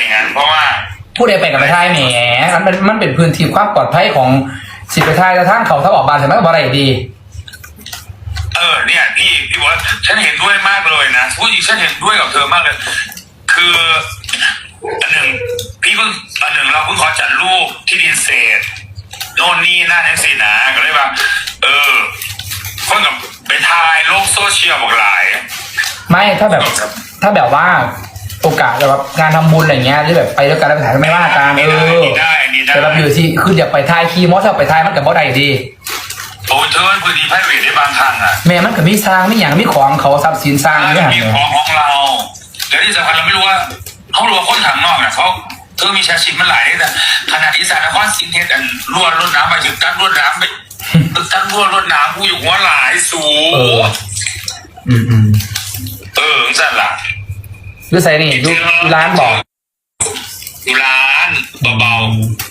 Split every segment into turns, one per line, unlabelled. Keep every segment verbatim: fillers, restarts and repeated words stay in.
อย่างนั้นเพราะว่า
ผู้ใดไปกับไปท้ายแหมมันเป็นมันเป็นพื้นที่ความปลอดภัยของสิไปท้ายกระทั่งเขาถ้าออกบานเสร็จมันก็บ่ได้ดี
เออเนี่ยพี่พี่บอกว่าฉันเห็นด้วยมากเลยนะพูดจริงฉันเห็นด้วยกับเธอมากเลยคืออันหนึ่งพี่เพิ่งอันหนึ่งเราเพิ่งขอจัดรูปที่ดินเศษโน่นนี่นั่นทั้งสี่นะก็เลยว่าเออคนกับไปทายโลกโซเชียลบอกหลาย
ไม่ถ้าแบบถ้าแบบว่าโอกาสแบบงานทำบุญอะไรเงี้ยหรือแบบไปด้วยกันแล้วไปถ่ายไม่ว่ากันเออแต่เราอยู่ที่คืออยากไปถ่ายคีมอสไปถ่ายมันกับบ่ได้ดี
โอ้เธอพื้นที่ไพรเวทได้บางครั้งอ่ะ
แม่มันกับมีสร้างไม่อย่างมีของเขาทรัพย์สินสร้าง
ไม่มีของของเราแล้วที่สำคัญเราไม่รู้ว่าเขารู้ว่าคนทางนอกเนี่ยเขาเธอมีชาชิมมันหลายแต่ขนาดที่สารนครศรีเทศอันล้วนรถน้ำไปถึงตั้งรถน้ำไปตั้งล้วนรถน้ำผู้อยู่หัวหลายสูง
อืมอืม
เออสั่นละ
ยูใส่นี่ยูร้านบอก
อยู่ร้านเบา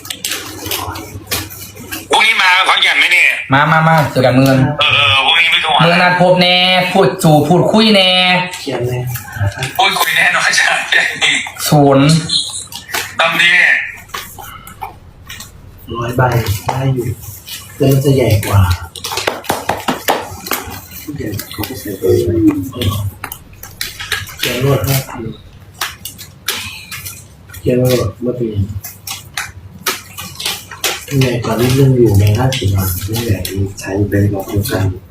ๆพวกนี้มาขอนแก่นไหมเนี่ย
มามามาเจอกันเมือง
เออเออพวกนี้ไม่ต้อง
เมืองนัดพบแน่พูดจู่พูดคุยแน่
เขียนเลย
พูดคุยแน่นอนใช่
ศูนย์
ตำนี้
ร้อยใบได้อยู่แต่มันจะใหญ่กว่าเดี๋ยวเขาจะใส่ตัวไปเขียนรวดห้าพันเขียนรวดเมื่อปีนี่ไงก่อนที่เรื่องอยู่ในห้าสิบบาทนี่แหละใช้เป็นบอกคุณกัน